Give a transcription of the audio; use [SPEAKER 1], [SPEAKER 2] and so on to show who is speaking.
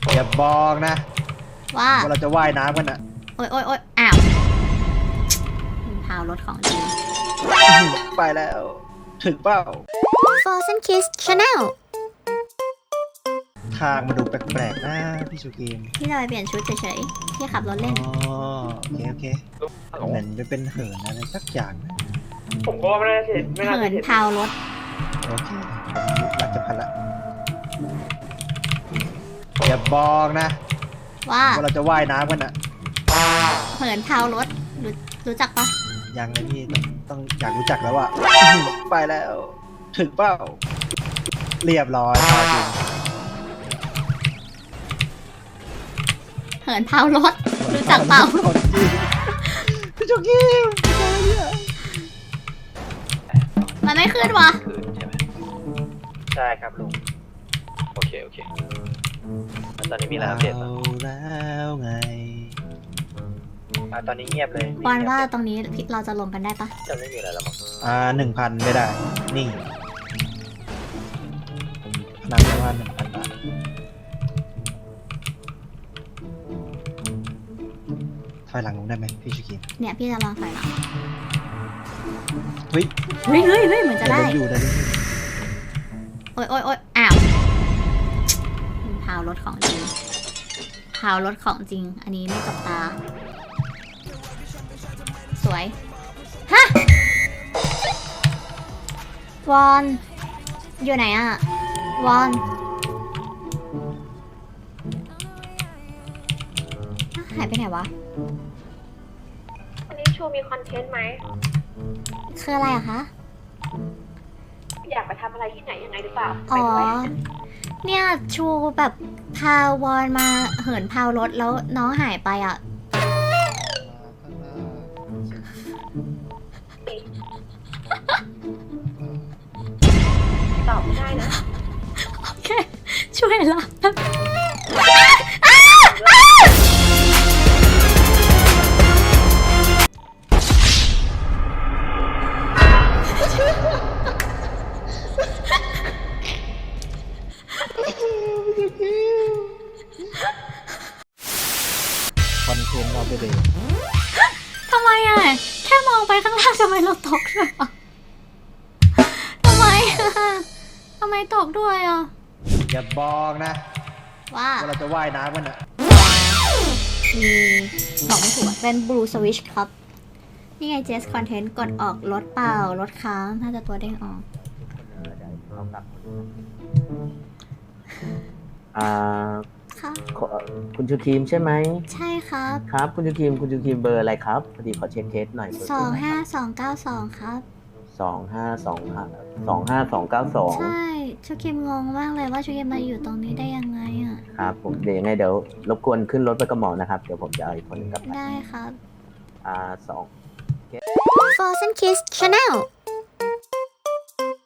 [SPEAKER 1] อย่าบอกนะ
[SPEAKER 2] ว่า
[SPEAKER 1] เราจะว่ายน้ำกันอะ
[SPEAKER 2] โอ๊ยโอ๊ยโอ๊ยอ้าวพาวรถของจริง
[SPEAKER 1] ไปแล้ว ถึงเปล่า
[SPEAKER 2] Frozen Kiss Channel
[SPEAKER 1] ทางมาดูแปลกๆนะพี่ชูเกม
[SPEAKER 2] พี่จะไปเปลี่ยนชุดเฉยๆพี่ขับรถเล่น
[SPEAKER 1] อ๋อโอเคเหมือนจะเป็นเหินอะไรสักอย่างนะ
[SPEAKER 3] ผมก็ว่าไม่น่าจะเห็นไม่น่า
[SPEAKER 2] เหิ
[SPEAKER 3] จะ
[SPEAKER 2] น
[SPEAKER 3] เห็น
[SPEAKER 2] พาวรถ
[SPEAKER 1] โอเครักจะพันละอย่าบอกนะ
[SPEAKER 2] ว่า
[SPEAKER 1] เราจะว่ายน้ำกันอะ
[SPEAKER 2] เหินพาวรถรู้จักปะ
[SPEAKER 1] ยังนะพี่ต้องอยากรู้จักแล้วอะไปแล้ว ถึงเปล่าเรียบร้อยพอจริง
[SPEAKER 2] เหินพาวรถรู้จักเปล่า
[SPEAKER 1] พี่ชูเกม
[SPEAKER 2] มันไม่ขึ้นวะ
[SPEAKER 3] คืนใช่ไหมใช่ครับลุงโอเคแล้วตอนนี้มีอะไรอัปเดตบ้าง
[SPEAKER 1] แล้วไง
[SPEAKER 3] ตอนนี้เงียบเลย
[SPEAKER 2] บอลว่าตรงนี้เราจะลงกันได้ปะ
[SPEAKER 3] จะไม่มีอะไรแล้วมั้ง
[SPEAKER 1] 1,000ไม่ได้ นี่พนันว่า1,000 บาทถอยหลังลงได้ไหมพี่ชูเกม
[SPEAKER 2] เนี่ยพี่จะลองถอยหลัง
[SPEAKER 1] เฮ้ย
[SPEAKER 2] เฮ้ยเหมือนจะได้
[SPEAKER 1] อยู่ได้
[SPEAKER 2] โอ๊ยโอ๊ยโอ๊ยอ้าวพาวรถของจริงพาวรถของจริง อันนี้ไม่จบตา สวย ฮะ วอน อยู่ไหนอะวอนหายไปไหนวะ
[SPEAKER 4] วันนี้ชูมีคอนเทนต์ไหม
[SPEAKER 2] คืออะไรอะคะ
[SPEAKER 4] อยากไปทำอะไรที่ไหนยังไงหรือเปล่า
[SPEAKER 2] อ๋อ
[SPEAKER 4] ไปด้วย
[SPEAKER 2] เนี่ยชูแบบพาวอนมาเหินพาวรถแล้วน้องหายไปอ่ะ
[SPEAKER 4] ตอบไม่ได้นะ
[SPEAKER 2] โอเค ช่วยละ
[SPEAKER 1] คอนเทนต์เราไปเลย
[SPEAKER 2] ทำไมอ่ะ แค่มองไปข้างล่างทำไมเราตกด้วยอ่ะทำไมอ่ะทำไมตกด้วยอ่ะ
[SPEAKER 1] อย่าบอกนะ
[SPEAKER 2] ว่า
[SPEAKER 1] เราจะว่ายน้ำกันอะ
[SPEAKER 2] มีบอกไม่ถูกอะเป็น Blue Switch ครับ นี่ไง Jazz Content กดออกรถเปล่ารถค้างน่าจะตัวเด้งออก
[SPEAKER 5] อ่า
[SPEAKER 2] ค่ะ
[SPEAKER 5] คุณชูทีมใช่ไหม
[SPEAKER 2] ใช่ครับ
[SPEAKER 5] ครับคุณชูทีมเบอร์อะไรครับพอดีขอเช็คเคสหน่อยเบอร์
[SPEAKER 2] 25292 ครับ
[SPEAKER 5] 25292
[SPEAKER 2] ใช่ชูคิมงงมากเลยว่าชูคิมมาอยู่ตรงนี้ได้ยังไงอ่ะ
[SPEAKER 5] ครับผมเดี๋ยวยังไงเดี๋ยวรบกวนขึ้นรถไปกับหมอนะครับเดี๋ยวผมจะเอาอีกคนหนึงกลับไป
[SPEAKER 2] ได้ครับ
[SPEAKER 5] 2
[SPEAKER 2] Frozen Kiss Channel